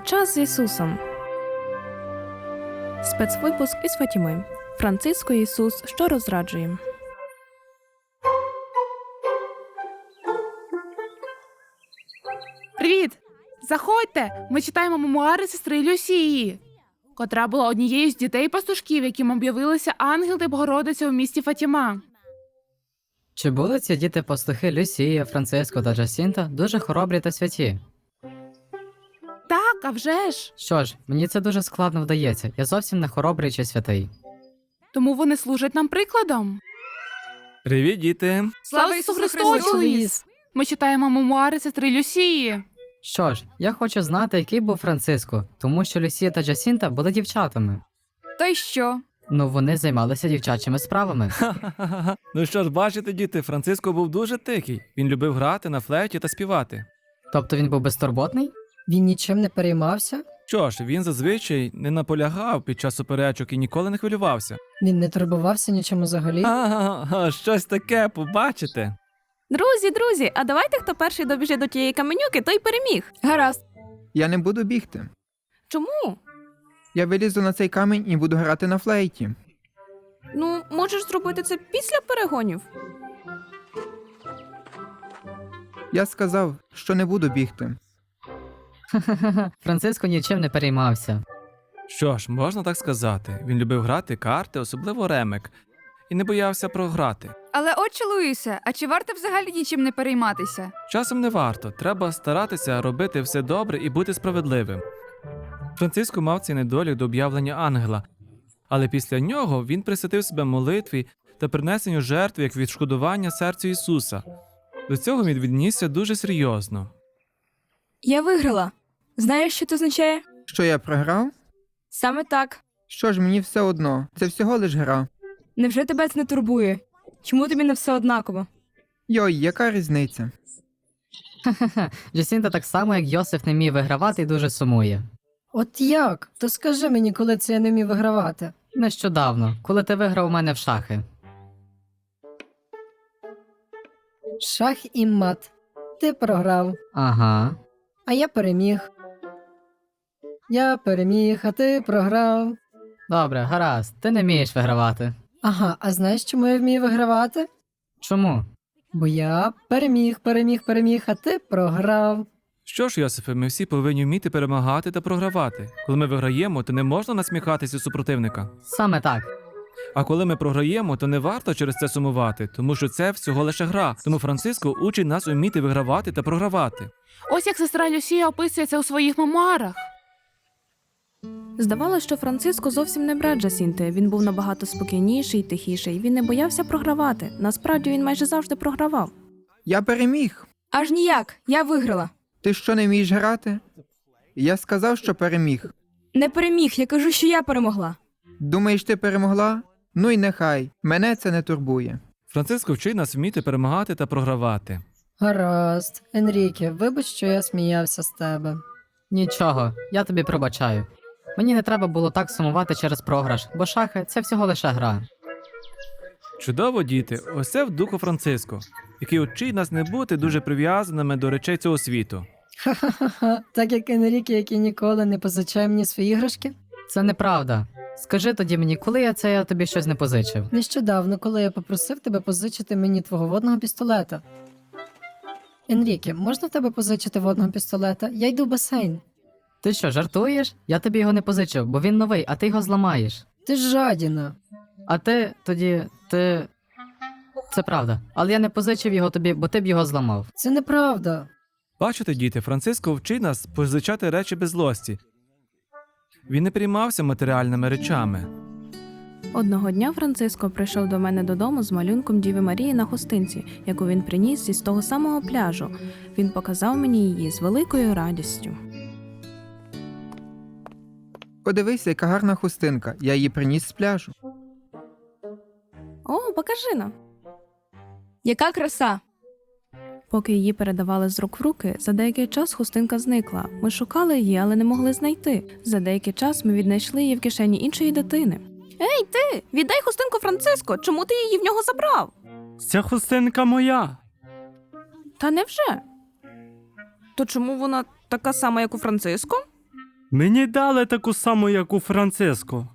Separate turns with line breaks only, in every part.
Час з Ісусом. Спецвипуск із Фатіми. Франциско і Ісус, що розраджує.
Привіт! Заходьте! Ми читаємо мемуари сестри Люсії, котра була однією з дітей-пастушків, яким об'явилися ангел та Богородиця у місті Фатіма.
Чи були ці діти-пастухи Люсія, Франциско та Джасінта дуже хоробрі та святі?
Так, а вже ж!
Що ж, мені це дуже складно вдається, я зовсім не хоробрий чи святий.
Тому вони служать нам прикладом.
Привіт, діти!
Слава Ісусу Христу! Ми читаємо мемуари сестри Люсії.
Що ж, я хочу знати, який був Франциско, тому що Люсія та Джасінта були дівчатами.
Та й що?
Ну, вони займалися дівчачими справами.
Ха-ха-ха. Ну що ж, бачите, діти, Франциско був дуже тихий. Він любив грати на флейті та співати.
Тобто він був безтурботний?
Він нічим не переймався?
Що ж, він зазвичай не наполягав під час суперечок і ніколи не хвилювався.
Він не турбувався нічим взагалі?
Ага, щось таке, побачите.
Друзі, а давайте, хто перший добіжить до тієї каменюки, той переміг.
Гаразд.
Я не буду бігти.
Чому?
Я вилізу на цей камінь і буду грати на флейті.
Ну, можеш зробити це після перегонів.
Я сказав, що не буду бігти.
Франциско нічим не переймався.
Що ж, можна так сказати. Він любив грати карти, особливо ремек, і не боявся програти.
Але отче Луїсе, а чи варто взагалі нічим не перейматися?
Часом не варто, треба старатися робити все добре і бути справедливим. Франциско мав цей недолік до об'явлення ангела, але після нього він присвятив себе молитві та принесенню жертв як відшкодування серцю Ісуса. До цього він віднісся дуже серйозно.
Я виграла. Знаєш, що це означає?
Що я програв?
Саме так.
Що ж, мені все одно. Це всього лиш гра.
Невже тебе це не турбує? Чому тобі не все однаково?
Йой, яка різниця?
Джасінта так само, як Йосиф, не міг вигравати і дуже сумує.
От як? То скажи мені, коли це я не міг вигравати.
Нещодавно, коли ти виграв у мене в шахи.
Шах і мат. Ти програв,
Ага.
а я переміг. Я переміг, а ти програв.
Добре, гаразд, ти не вмієш вигравати.
Ага, а знаєш, чому я вмію вигравати?
Чому?
Бо я переміг, а ти програв.
Що ж, Йосифе, ми всі повинні вміти перемагати та програвати. Коли ми виграємо, то не можна насміхатися супротивника.
Саме так.
А коли ми програємо, то не варто через це сумувати, тому що це всього лише гра. Тому Франциско учить нас уміти вигравати та програвати.
Ось як сестра Люсія описує це у своїх мемуарах.
Здавалося, що Франциско зовсім не брат Джасінти. Він був набагато спокійніший, тихіший. Він не боявся програвати. Насправді, він майже завжди програвав.
Я переміг.
Аж ніяк. Я виграла.
Ти що, не вмієш грати? Я сказав, що переміг.
Не переміг, я кажу, що я перемогла.
Думаєш, ти перемогла? Ну й нехай. Мене це не турбує.
Франциско вчить нас вміти перемагати та програвати.
Гаразд. Енріке, вибач, що я сміявся з тебе.
Нічого, я тобі пробачаю. Мені не треба було так сумувати через програш, бо шахи – це всього лише гра.
Чудово, діти, ось це в духу Франциско, який учить нас не бути дуже прив'язаними до речей цього світу.
Ха-ха-ха, так як Енріке, який ніколи не позичає мені свої іграшки.
Це неправда. Скажи тоді мені, коли я тобі щось не позичив?
Нещодавно, коли я попросив тебе позичити мені твого водного пістолета. Енріке, можна в тебе позичити водного пістолета? Я йду в басейн.
Ти що, жартуєш? Я тобі його не позичив, бо він новий, а ти його зламаєш.
Ти ж жадіна.
А ти ти... Це правда. Але я не позичив його тобі, бо ти б його зламав.
Це неправда.
Бачите, діти, Франциско вчить нас позичати речі без злості. Він не переймався матеріальними речами.
Одного дня Франциско прийшов до мене додому з малюнком Діви Марії на хустинці, яку він приніс із того самого пляжу. Він показав мені її з великою радістю.
Подивися, яка гарна хустинка. Я її приніс з пляжу.
О, покажи нам.
Яка краса!
Поки її передавали з рук в руки, за деякий час хустинка зникла. Ми шукали її, але не могли знайти. За деякий час ми віднайшли її в кишені іншої дитини. Ей, ти! Віддай хустинку Франциско! Чому ти її в нього забрав?
Ця хустинка моя.
Та невже? То чому вона така сама, як у Франциско?
Мені дали таку саму, як у Франциско.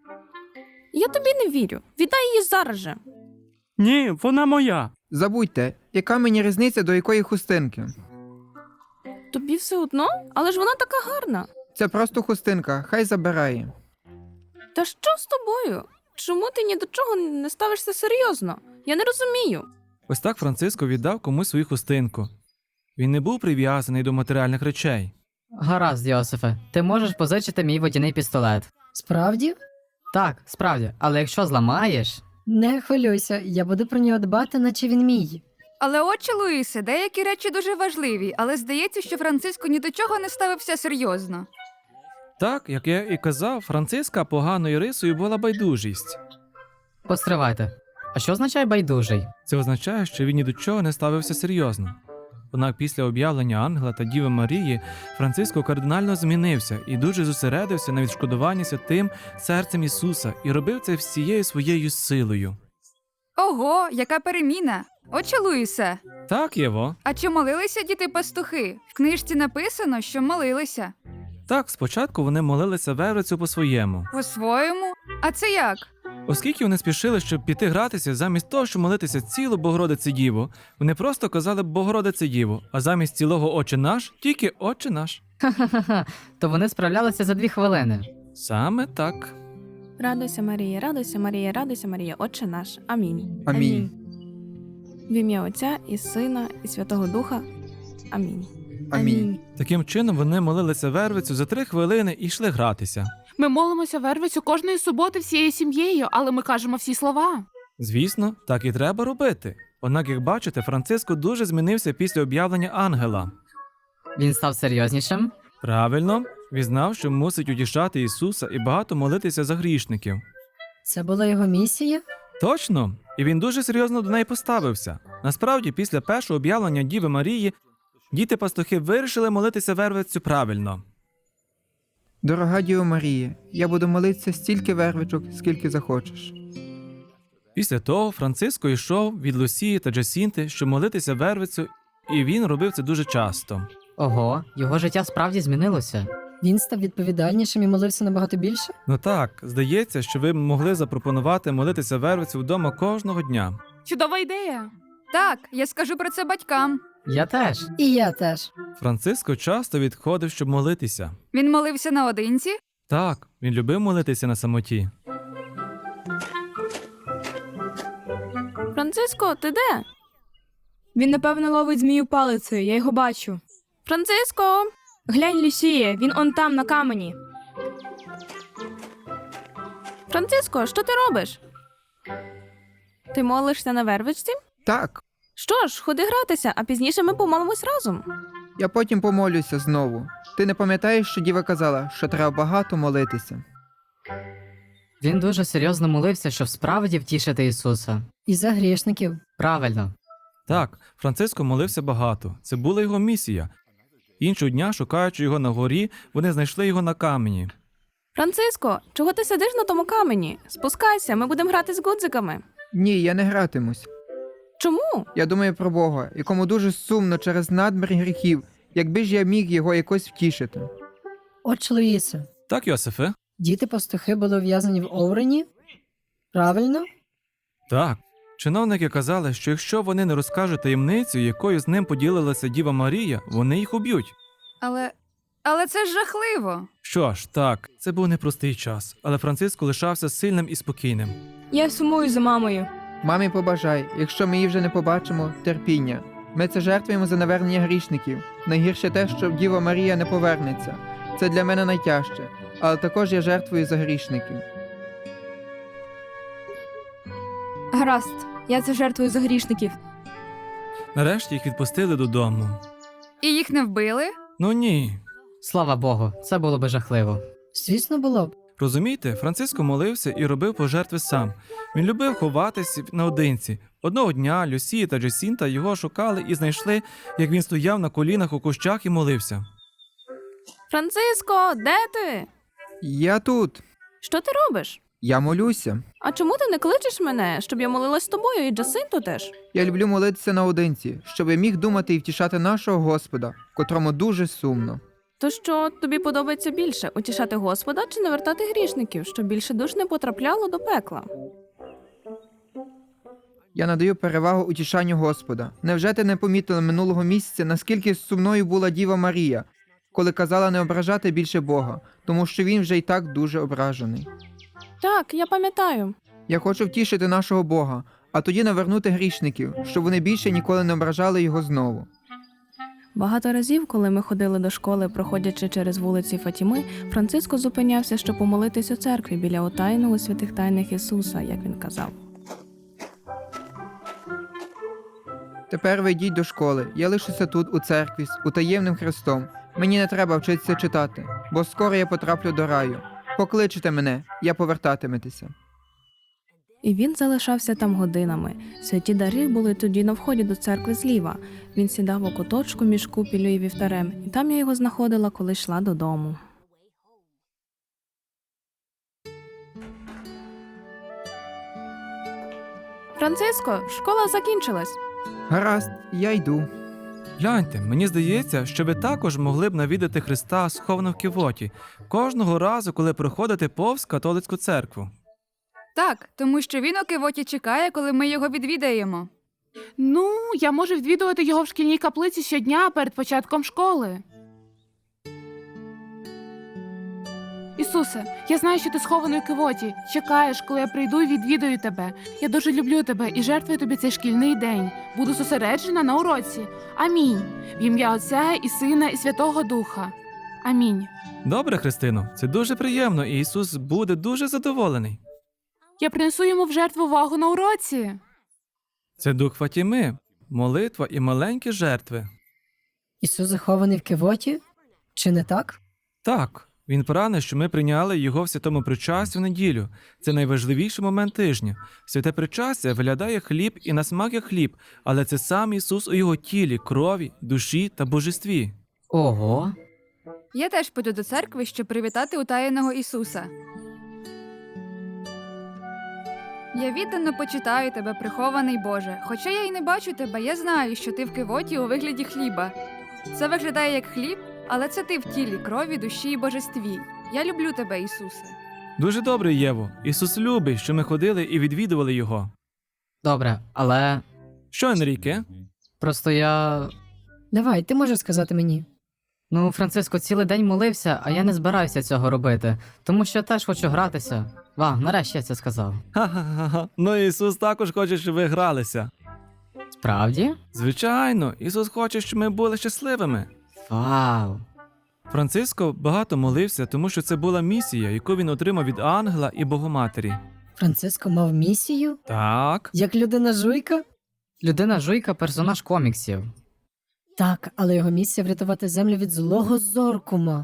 Я тобі не вірю. Віддай її зараз же.
Ні, вона моя.
Забудьте, яка мені різниця до якої хустинки?
Тобі все одно? Але ж вона така гарна.
Це просто хустинка, хай забирає.
Та що з тобою? Чому ти ні до чого не ставишся серйозно? Я не розумію.
Ось так Франциско віддав комусь свою хустинку. Він не був прив'язаний до матеріальних речей.
Гаразд, Йосифе, ти можеш позичити мій водяний пістолет.
Справді?
Так, справді, але якщо зламаєш.
Не хвилюйся, я буду про нього дбати, наче він мій.
Але отче Луїсе, деякі речі дуже важливі, але здається, що Франциско ні до чого не ставився серйозно.
Так, як я і казав, Франциска поганою рисою була байдужість.
Постривайте. А що означає байдужий?
Це означає, що він ні до чого не ставився серйозно. Однак після об'явлення Ангела та Діви Марії Франциско кардинально змінився і дуже зосередився на відшкодуванні святим серцем Ісуса і робив це всією своєю силою.
Ого, яка переміна! Отче Луїсе,
Так, Єво.
а чи молилися діти-пастухи? В книжці написано, що молилися.
Так, спочатку вони молилися Вервицю по-своєму.
По-своєму? А це як?
Оскільки вони спішили, щоб піти гратися, замість того, щоб молитися цілу Богородице Діву, вони просто казали Богородице Діву, а замість цілого Отче наш, тільки Отче наш.
Ха-ха-ха, то вони справлялися за 2 хвилини.
Саме так.
Радуйся, Марія, радуйся, Марія, радуйся, Марія, Отче наш. Амінь.
Амінь.
В ім'я Отця і Сина, і Святого Духа. Амінь.
Амінь.
Таким чином вони молилися Вервицю за 3 хвилини і йшли гратися.
Ми молимося Вервицю кожної суботи всією сім'єю, але ми кажемо всі слова.
Звісно, так і треба робити. Однак, як бачите, Франциско дуже змінився після об'явлення ангела.
Він став серйознішим.
Правильно, він знав, що мусить утішати Ісуса і багато молитися за грішників.
Це була його місія?
Точно, і він дуже серйозно до неї поставився. Насправді, після першого об'явлення Діви Марії, діти-пастухи вирішили молитися Вервицю правильно.
Дорога Діво Марія, я буду молитися стільки вервичок, скільки захочеш.
Після того Франциско йшов від Лусії та Джасінти, щоб молитися Вервицю, і він робив це дуже часто.
Ого, його життя справді змінилося.
Він став відповідальнішим і молився набагато більше?
Ну так, здається, що ви могли запропонувати молитися Вервицю вдома кожного дня.
Чудова ідея.
Так, я скажу про це батькам.
Я теж.
І я теж.
Франциско часто відходив, щоб молитися.
Він молився наодинці?
Так, він любив молитися на самоті.
Франциско, ти де?
Він, напевно, ловить змію палицею, я його бачу.
Франциско!
Глянь, Люсіє, він он там, на камені.
Франциско, що ти робиш? Ти молишся на Вервичці?
Так,
Що ж, ходи гратися, а пізніше ми помолимось разом.
я потім помолюся знову. Ти не пам'ятаєш, що Діва казала, що треба багато молитися?
Він дуже серйозно молився, щоб справді втішити Ісуса.
І за грішників.
Правильно.
Так, Франциско молився багато. Це була його місія. Іншого дня, шукаючи його на горі, вони знайшли його на камені.
Франциско, чого ти сидиш на тому камені? Спускайся, ми будемо грати з гудзиками.
Ні, я не гратимусь.
Чому?
Я думаю про Бога, якому дуже сумно через надмір гріхів, якби ж я міг його якось втішити.
Отче Луїсе,
Так, Йосифе?
діти-пастухи були ув'язані в Оурені? Правильно?
Так. Чиновники казали, що якщо вони не розкажуть таємницю, якою з ним поділилася Діва Марія, вони їх уб'ють.
Але це ж жахливо.
Що ж, так, це був непростий час, але Франциско лишався сильним і спокійним.
Я сумую за мамою.
Мамі побажай, якщо ми її вже не побачимо, терпіння. Ми це жертвуємо за навернення грішників. Найгірше те, що Діва Марія не повернеться. Це для мене найтяжче, але також я жертвую за грішників.
Гаразд, я це жертвую за грішників.
Нарешті їх відпустили додому.
І їх не вбили?
Ну ні.
Слава Богу, це було би жахливо.
Звісно, було б.
Розумієте, Франциско молився і робив пожертви сам. Він любив ховатися наодинці. Одного дня Люсія та Джасінта його шукали і знайшли, як він стояв на колінах у кущах і молився.
Франциско, де ти?
Я тут.
Що ти робиш?
Я молюся.
А чому ти не кличеш мене, щоб я молилась з тобою і Джасинту теж?
Я люблю молитися наодинці, щоб я міг думати і втішати нашого Господа, котрому дуже сумно.
То що тобі подобається більше утішати Господа чи навертати грішників, щоб більше душ не потрапляло до пекла?
Я надаю перевагу утішанню Господа. Невже ти не помітила минулого місяця, наскільки сумною була Діва Марія, коли казала не ображати більше Бога, тому що він вже й так дуже ображений?
Так, я пам'ятаю.
Я хочу втішити нашого Бога, а тоді навернути грішників, щоб вони більше ніколи не ображали його знову.
Багато разів, коли ми ходили до школи, проходячи через вулиці Фатіми, Франциско зупинявся, щоб помолитись у церкві біля утаєного святих тайних Ісуса, як він казав.
Тепер ви йдіть до школи, я лишуся тут, у церкві, з утаємним Христом. Мені не треба вчитися читати, бо скоро я потраплю до раю. Покличете мене, я повертатиметеся.
І він залишався там годинами. Святі дари були тоді на вході до церкви зліва. Він сідав у куточку між купіллю і вівтарем, і там я його знаходила, коли йшла додому. Франциско, школа закінчилась.
Гаразд, я йду.
Гляньте, мені здається, що ви також могли б навідати Христа сховано в кивоті кожного разу, коли проходите повз католицьку церкву.
Так, тому що він у кивоті чекає, коли ми його відвідаємо.
Ну, я можу відвідувати його в шкільній каплиці щодня перед початком школи. Ісусе, я знаю, що ти схований у кивоті. Чекаєш, коли я прийду і відвідаю тебе. Я дуже люблю тебе і жертвую тобі цей шкільний день. Буду зосереджена на уроці. Амінь. В ім'я Отця і Сина і Святого Духа. Амінь.
Добре, Христино, це дуже приємно, і Ісус буде дуже задоволений.
Я принесу йому в жертву увагу на уроці.
Це дух Фатіми, молитва і маленькі жертви.
Ісус захований в кивоті? Чи не так?
Так, він прагне, що ми прийняли його в святому причасті в неділю. Це найважливіший момент тижня. Святе причастя виглядає хліб і на смак як хліб, але це сам Ісус у його тілі, крові, душі та божестві.
Ого.
Я теж піду до церкви, щоб привітати утаєного Ісуса. Я віддано почитаю тебе, прихований Боже. Хоча я й не бачу тебе, я знаю, що ти в кивоті у вигляді хліба. Це виглядає як хліб, але це ти в тілі, крові, душі і божестві. Я люблю тебе, Ісусе.
Дуже добре, Єво. Ісус любить, що ми ходили і відвідували його.
Добре, але
Що, Енріке?
просто я.
Давай, ти можеш сказати мені.
Ну, Франциско цілий день молився, а я не збираюся цього робити, тому що теж хочу гратися. Нарешті я це сказав.
Ха-ха-ха. Ну, Ісус також хоче, щоб ви гралися.
Справді?
Звичайно, Ісус хоче, щоб ми були щасливими.
Вау.
Франциско багато молився, тому що це була місія, яку він отримав від ангела і Богоматері.
Франциско мав місію?
Так.
Як людина-жуйка?
Людина Жуйка персонаж коміксів.
Так, але його місія врятувати землю від злого Зоркума.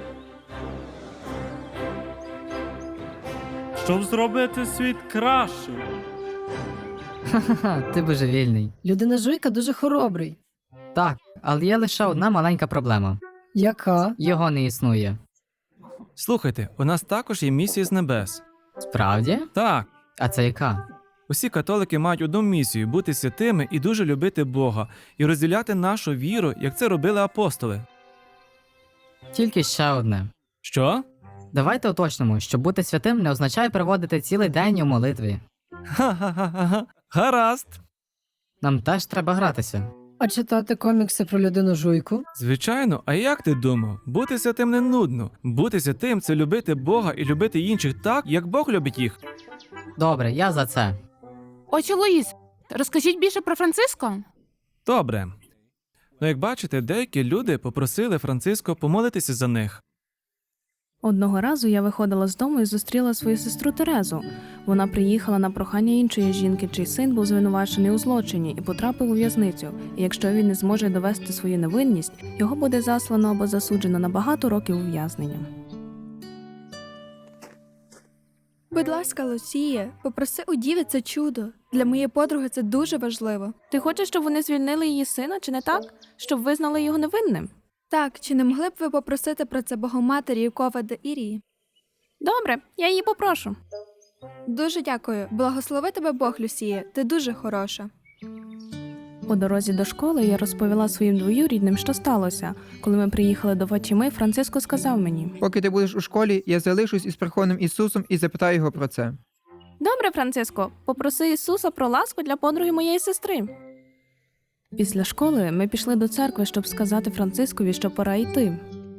Щоб зробити світ кращим.
Ха-ха, ти божевільний.
Людина-жуйка дуже хоробрий.
Так, але є лише одна маленька проблема.
Яка?
Його не існує.
Слухайте, у нас також є місія з небес.
Справді?
Так.
А це яка?
Усі католики мають одну місію – бути святими і дуже любити Бога, і розділяти нашу віру, як це робили апостоли.
Тільки ще одне.
Що?
Давайте уточнимо, що бути святим не означає проводити цілий день у молитві.
Ха-ха-ха-ха. Гаразд.
Нам теж треба гратися.
А читати комікси про людину-жуйку?
Звичайно, а як ти думав? Бути святим не нудно. Бути святим – це любити Бога і любити інших так, як Бог любить їх.
Добре, я за це.
Отче Луїс, розкажіть більше про Франциско.
Добре. Ну, як бачите, деякі люди попросили Франциско помолитися за них.
Одного разу я виходила з дому і зустріла свою сестру Терезу. Вона приїхала на прохання іншої жінки, чий син був звинувачений у злочині і потрапив у в'язницю. І якщо він не зможе довести свою невинність, його буде заслано або засуджено на багато років ув'язнення.
Будь ласка, Лусія, попроси у Діви це чудо. Для моєї подруги це дуже важливо.
Ти хочеш, щоб вони звільнили її сина, чи не так? Щоб визнали його невинним?
Так, чи не могли б ви попросити про це Богоматері Юкова де Ірії?
Добре, я її попрошу.
Дуже дякую. Благослови тебе Бог, Люсія. Ти дуже хороша.
По дорозі до школи я розповіла своїм двоюрідним, що сталося. Коли ми приїхали до Фатіми, Франциско сказав мені:
Поки ти будеш у школі, я залишусь із Верховним Ісусом і запитаю його про це.
«Добре, Франциско, попроси Ісуса про ласку для подруги моєї сестри». Після школи ми пішли до церкви, щоб сказати Францискові, що пора йти.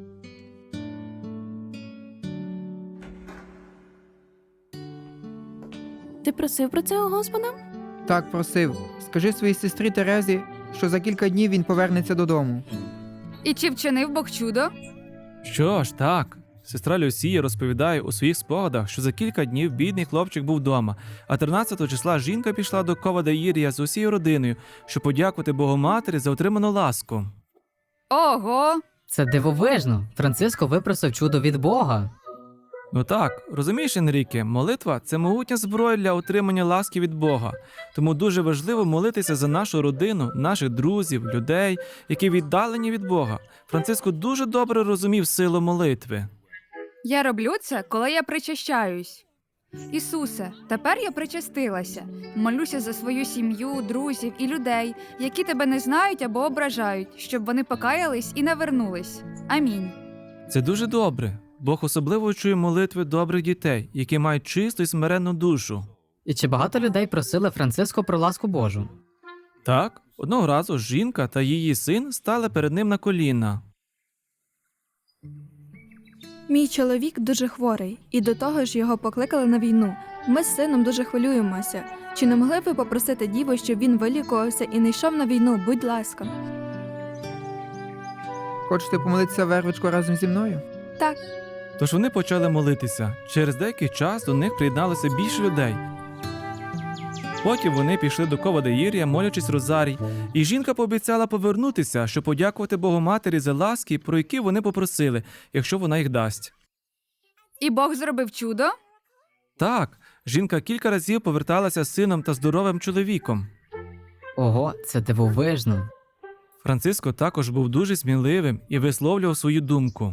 Ти просив про це у Господа?
Так, просив. Скажи своїй сестрі Терезі, що за кілька днів він повернеться додому.
І чи вчинив Бог чудо?
Що ж, так. Сестра Люсія розповідає у своїх спогадах, що за кілька днів бідний хлопчик був вдома, а 13 числа жінка пішла до Ковадаїрія з усією родиною, щоб подякувати Богоматері за отриману ласку.
Ого!
Це дивовижно. Франциско випросив чудо від Бога.
Ну так, розумієш, Енріке, молитва – це могутня зброя для отримання ласки від Бога. Тому дуже важливо молитися за нашу родину, наших друзів, людей, які віддалені від Бога. Франциско дуже добре розумів силу молитви.
Я роблю це, коли я причащаюсь. Ісусе, тепер я причастилася. Молюся за свою сім'ю, друзів і людей, які тебе не знають або ображають, щоб вони покаялись і навернулись. Амінь.
Це дуже добре. Бог особливо чує молитви добрих дітей, які мають чисту і смиренну душу.
І чи багато людей просили Франциско про ласку Божу?
Так, одного разу жінка та її син стали перед ним на коліна.
Мій чоловік дуже хворий, і до того ж його покликали на війну. Ми з сином дуже хвилюємося. Чи не могли б ви попросити Діву, щоб він вилікувався і не йшов на війну, будь ласка?
Хочете помолитися вервичку разом зі мною?
Так.
Тож вони почали молитися. Через деякий час до них приєдналося більше людей. Потім вони пішли до Ковадаїрія, молячись розарій, і жінка пообіцяла повернутися, щоб подякувати Богоматері за ласки, про які вони попросили, якщо вона їх дасть.
І Бог зробив чудо?
Так, жінка кілька разів поверталася з сином та здоровим чоловіком.
Ого, це дивовижно.
Франциско також був дуже сміливим і висловлював свою думку.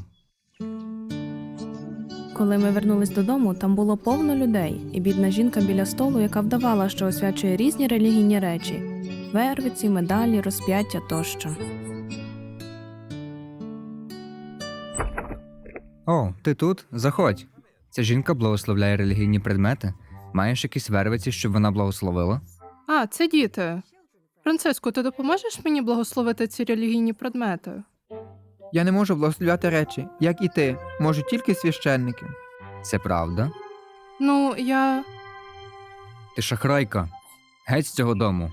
Коли ми вернулись додому, там було повно людей, і бідна жінка біля столу, яка вдавала, що освячує різні релігійні речі – вервиці, медалі, розп'яття тощо.
О, ти тут? Заходь. Ця жінка благословляє релігійні предмети. Маєш якісь вервиці, щоб вона благословила?
А, це діти. Франциско, ти допоможеш мені благословити ці релігійні предмети?
Я не можу благословляти речі, як і ти, можуть тільки священники.
Це правда?
Ну, я...
Ти шахрайка. Геть з цього дому.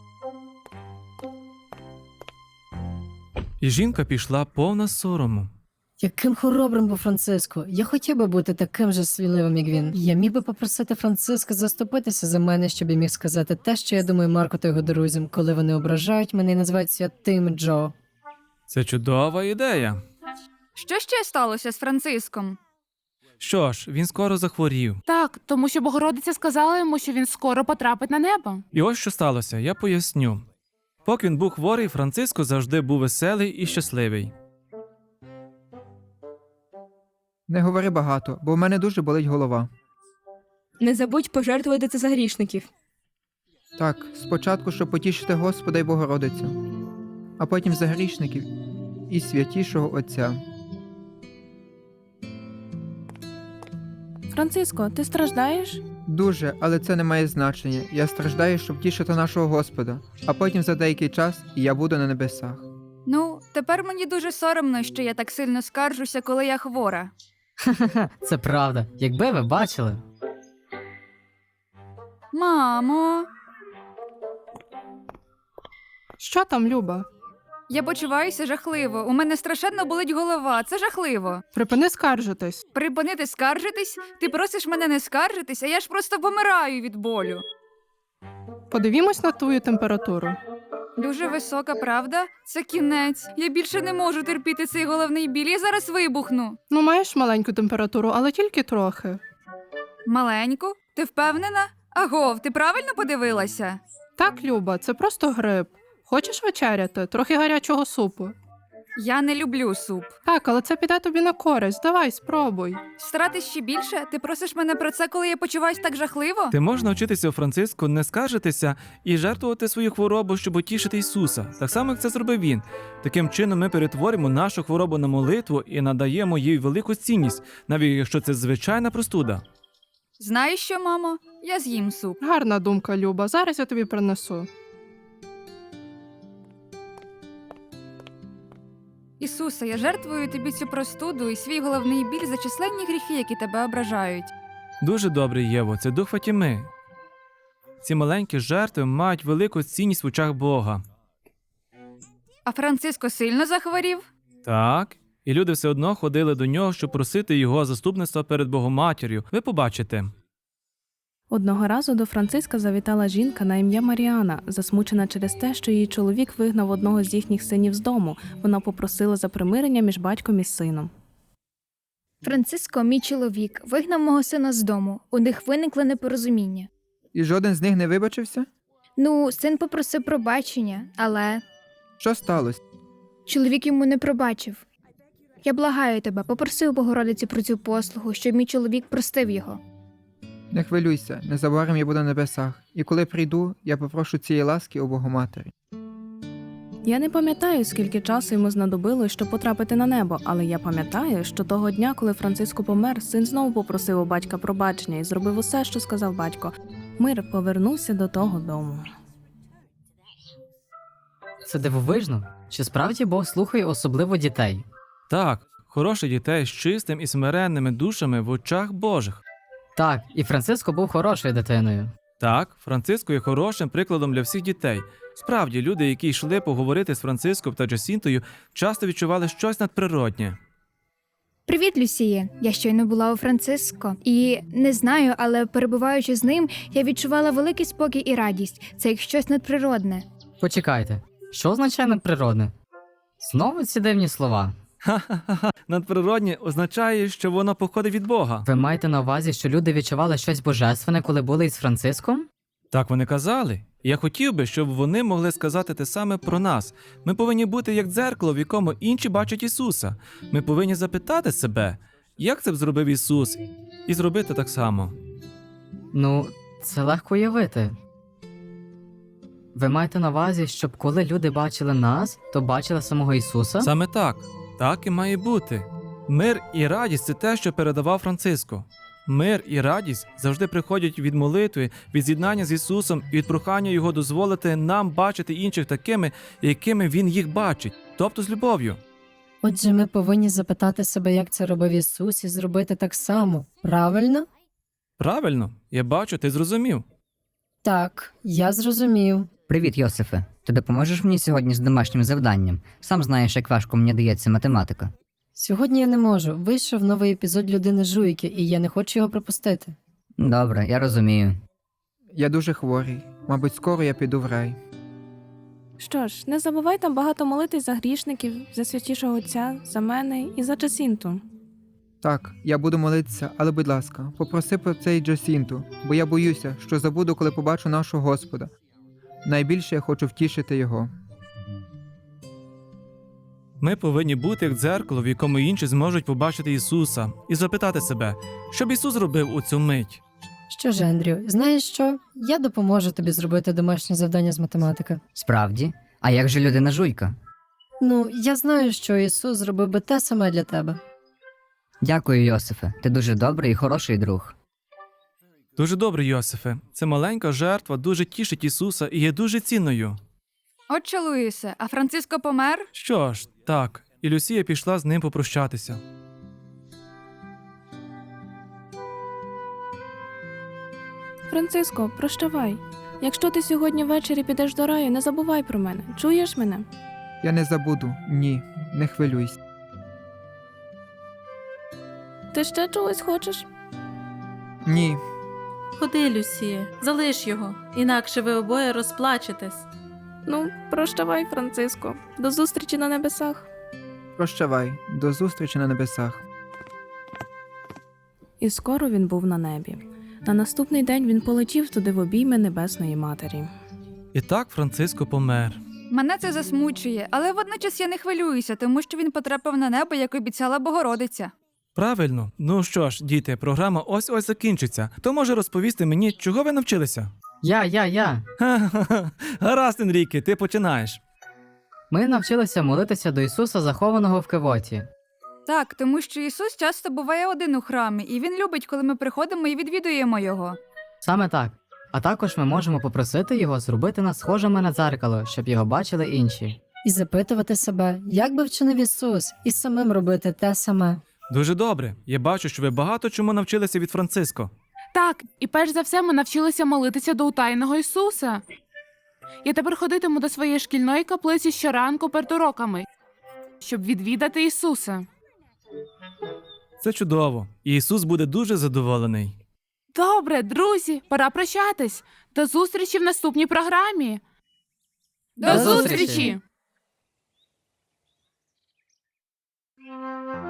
І жінка пішла повна сорому.
Яким хоробрим був Франциско. Я хотів би бути таким же сміливим, як він. Я міг би попросити Франциска заступитися за мене, щоб я міг сказати те, що я думаю Марку та його друзям, коли вони ображають мене і називають святим Джо.
Це чудова ідея.
Що ще сталося з Франциском?
Що ж, він скоро захворів.
Так, тому що Богородиця сказала йому, що він скоро потрапить на небо.
І ось що сталося, я поясню. Поки він був хворий, Франциско завжди був веселий і щасливий.
Не говори багато, бо в мене дуже болить голова.
Не забудь пожертвувати це за грішників.
Так, спочатку, щоб потішити Господа й Богородицю, а потім за грішників і святішого Отця.
Франциско, ти страждаєш?
Дуже, але це не має значення. Я страждаю, щоб тішити нашого Господа, а потім за деякий час і я буду на небесах.
Ну, тепер мені дуже соромно, що я так сильно скаржуся, коли я хвора.
Ха-ха, це правда. Якби ви бачили.
Мамо,
Що там, Люба?
я почуваюся жахливо. У мене страшенно болить голова. Це жахливо.
Припини скаржитись.
Припинити скаржитись? Ти просиш мене не скаржитись, а я ж просто помираю від болю.
Подивімось на твою температуру.
Дуже висока, правда? Це кінець. Я більше не можу терпіти цей головний біль. Я зараз вибухну.
Ну, маєш маленьку температуру, але тільки трохи.
Маленьку? Ти впевнена? Агов, ти правильно подивилася?
Так, Люба, це просто грип. Хочеш вечеряти? Трохи гарячого супу.
Я не люблю суп.
Так, але це піде тобі на користь. Давай, спробуй.
Старатись ще більше? Ти просиш мене про це, коли я почуваюсь так жахливо?
Ти можеш навчитися у Франциску не скаржитися і жертвувати свою хворобу, щоб утішити Ісуса, так само, як це зробив він. Таким чином ми перетворимо нашу хворобу на молитву і надаємо їй велику цінність, навіть якщо це звичайна простуда.
Знаєш що, мамо? Я з'їм суп.
Гарна думка, Люба. Зараз я тобі принесу.
Ісусе, я жертвую тобі цю простуду і свій головний біль за численні гріхи, які тебе ображають.
Дуже добре, Єво, це дух Фатіми. Ці маленькі жертви мають велику цінність в очах Бога.
А Франциско сильно захворів?
Так, і люди все одно ходили до нього, щоб просити його заступництва перед Богоматір'ю. Ви побачите.
Одного разу до Франциска завітала жінка на ім'я Маріана, засмучена через те, що її чоловік вигнав одного з їхніх синів з дому. Вона попросила за примирення між батьком і сином.
Франциско, мій чоловік, вигнав мого сина з дому. У них виникло непорозуміння.
І жоден з них не вибачився?
Ну, син попросив пробачення, але
Що сталося?
чоловік йому не пробачив. Я благаю тебе, попроси у Богородиці про цю послугу, щоб мій чоловік простив його.
Не хвилюйся, незабаром я буду на небесах. І коли прийду, я попрошу цієї ласки у Богоматері.
Я не пам'ятаю, скільки часу йому знадобилось, щоб потрапити на небо, але я пам'ятаю, що того дня, коли Франциско помер, син знову попросив у батька пробачення і зробив усе, що сказав батько. Мир повернувся до того дому.
Це дивовижно. Чи справді Бог слухає особливо дітей?
Так, хороших дітей з чистим і смиренними душами в очах Божих.
Так, і Франциско був хорошою дитиною.
Так, Франциско є хорошим прикладом для всіх дітей. Справді, люди, які йшли поговорити з Франциском та Джасінтою, часто відчували щось надприроднє.
Привіт, Люсіє. Я щойно була у Франциско. І не знаю, але перебуваючи з ним, я відчувала великий спокій і радість. Це як щось надприродне.
Почекайте, що означає надприродне? Знову ці дивні слова.
Ха-ха-ха, надприроднє означає, що воно походить від Бога.
Ви маєте на увазі, що люди відчували щось божественне, коли були із Франциском?
Так вони казали. І я хотів би, щоб вони могли сказати те саме про нас. Ми повинні бути як дзеркало, в якому інші бачать Ісуса. Ми повинні запитати себе, як це б зробив Ісус, і зробити так само.
Ну, це легко уявити. Ви маєте на увазі, щоб коли люди бачили нас, то бачили самого Ісуса?
Саме так. Так і має бути. Мир і радість – це те, що передавав Франциско. Мир і радість завжди приходять від молитви, від з'єднання з Ісусом і від прохання Його дозволити нам бачити інших такими, якими Він їх бачить, тобто з любов'ю.
Отже, ми повинні запитати себе, як це робив Ісус, і зробити так само. Правильно?
Правильно, я бачу, ти зрозумів.
Так, я зрозумів.
Привіт, Йосифе. Ти допоможеш мені сьогодні з домашнім завданням? Сам знаєш, як важко мені дається математика.
Сьогодні я не можу. Вийшов новий епізод «Людини жуйки», і я не хочу його пропустити.
Добре, я розумію.
Я дуже хворий. Мабуть, скоро я піду в рай.
Що ж, не забувай там багато молитись за грішників, за святішого Отця, за мене і за Джасінту.
Так, я буду молитися, але, будь ласка, попроси про це й Джасінту, бо я боюся, що забуду, коли побачу нашого Господа. Найбільше я хочу втішити його.
Ми повинні бути як дзеркало, в якому інші зможуть побачити Ісуса, і запитати себе, що б Ісус зробив у цю мить.
Що ж, Ендрю, знаєш що? Я допоможу тобі зробити домашнє завдання з математики.
Справді? А як же людина жуйка?
Ну, я знаю, що Ісус зробив би те саме для тебе.
Дякую, Йосифе. Ти дуже добрий і хороший друг.
Дуже добре, Йосифе. Це маленька жертва дуже тішить Ісуса і є дуже цінною.
Отче Луїсе, а Франциско помер?
Що ж, так, і Люсія пішла з ним попрощатися.
Франциско, прощавай. Якщо ти сьогодні ввечері підеш до раю, не забувай про мене. Чуєш мене?
Я не забуду. Ні, не хвилюйся.
Ти ще чогось хочеш?
Ні.
Ходи, Люсіє, залиш його, інакше ви обоє розплачетесь.
Ну, прощавай, Франциско. До зустрічі на небесах.
Прощавай. До зустрічі на небесах.
І скоро він був на небі. На наступний день він полетів туди в обійми Небесної Матері.
І так Франциско помер.
Мене це засмучує, але водночас я не хвилююся, тому що він потрапив на небо, як обіцяла Богородиця.
Правильно. Ну що ж, діти, програма ось-ось закінчиться. Хто може розповісти мені, чого ви навчилися?
Я.
Ха-ха-ха. Гаразд, Енріке, ти починаєш.
Ми навчилися молитися до Ісуса, захованого в кивоті.
Так, тому що Ісус часто буває один у храмі, і Він любить, коли ми приходимо і відвідуємо Його.
Саме так. А також ми можемо попросити Його зробити нас схожими на дзеркало, щоб його бачили інші.
І запитувати себе, як би вчинив Ісус, і самим робити те саме.
Дуже добре. Я бачу, що ви багато чому навчилися від Франциско.
Так, і перш за все ми навчилися молитися до утаєного Ісуса. Я тепер ходитиму до своєї шкільної каплиці щоранку перед уроками, щоб відвідати Ісуса.
Це чудово. І Ісус буде дуже задоволений.
Добре, друзі, пора прощатись. До зустрічі в наступній програмі.
До зустрічі!